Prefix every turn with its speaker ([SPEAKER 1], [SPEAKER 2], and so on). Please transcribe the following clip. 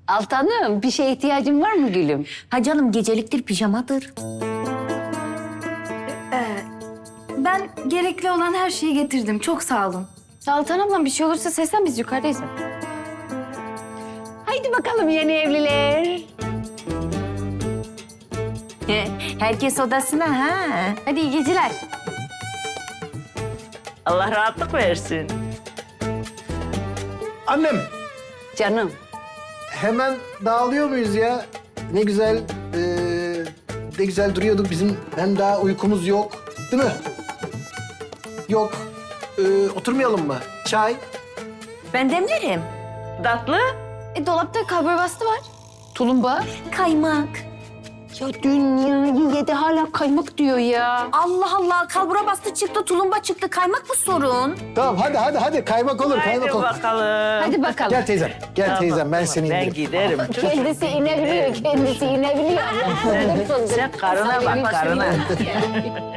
[SPEAKER 1] Altanım, bir şeye ihtiyacın var mı gülüm?
[SPEAKER 2] Ha canım geceliktir pijamadır.
[SPEAKER 3] Ben gerekli olan her şeyi getirdim. Çok sağ olun.
[SPEAKER 4] Altan ablam bir şey olursa seslen biz yukarıdayız.
[SPEAKER 1] Haydi bakalım yeni evliler.
[SPEAKER 2] Herkes odasına ha.
[SPEAKER 4] Hadi iyi geceler.
[SPEAKER 5] Allah rahatlık versin.
[SPEAKER 6] Annem,
[SPEAKER 1] Canım,
[SPEAKER 6] hemen dağılıyor muyuz ya? Ne güzel, ne güzel duruyorduk bizim. Hem daha uykumuz yok, değil mi? Yok. Oturmayalım mı? Çay.
[SPEAKER 2] Ben demlerim.
[SPEAKER 5] Tatlı.
[SPEAKER 4] Dolapta kalbur bastı var.
[SPEAKER 1] tulumba.
[SPEAKER 2] Kaymak.
[SPEAKER 1] Ya dünyayı yedi hala kaymak diyor ya.
[SPEAKER 2] Allah Allah kalbura bastı çıktı tulumba çıktı kaymak mı sorun?
[SPEAKER 6] Tamam, hadi. Kaymak olur,
[SPEAKER 5] Haydi
[SPEAKER 6] kaymak olur.
[SPEAKER 5] bakalım.
[SPEAKER 1] Hadi bakalım.
[SPEAKER 6] Gel teyzem, gel teyzem. Ben seni
[SPEAKER 5] Ben
[SPEAKER 6] indiririm.
[SPEAKER 5] giderim.
[SPEAKER 1] Kendisi inebiliyor, kendisi inebiliyor.
[SPEAKER 5] Sen karına bak, karına.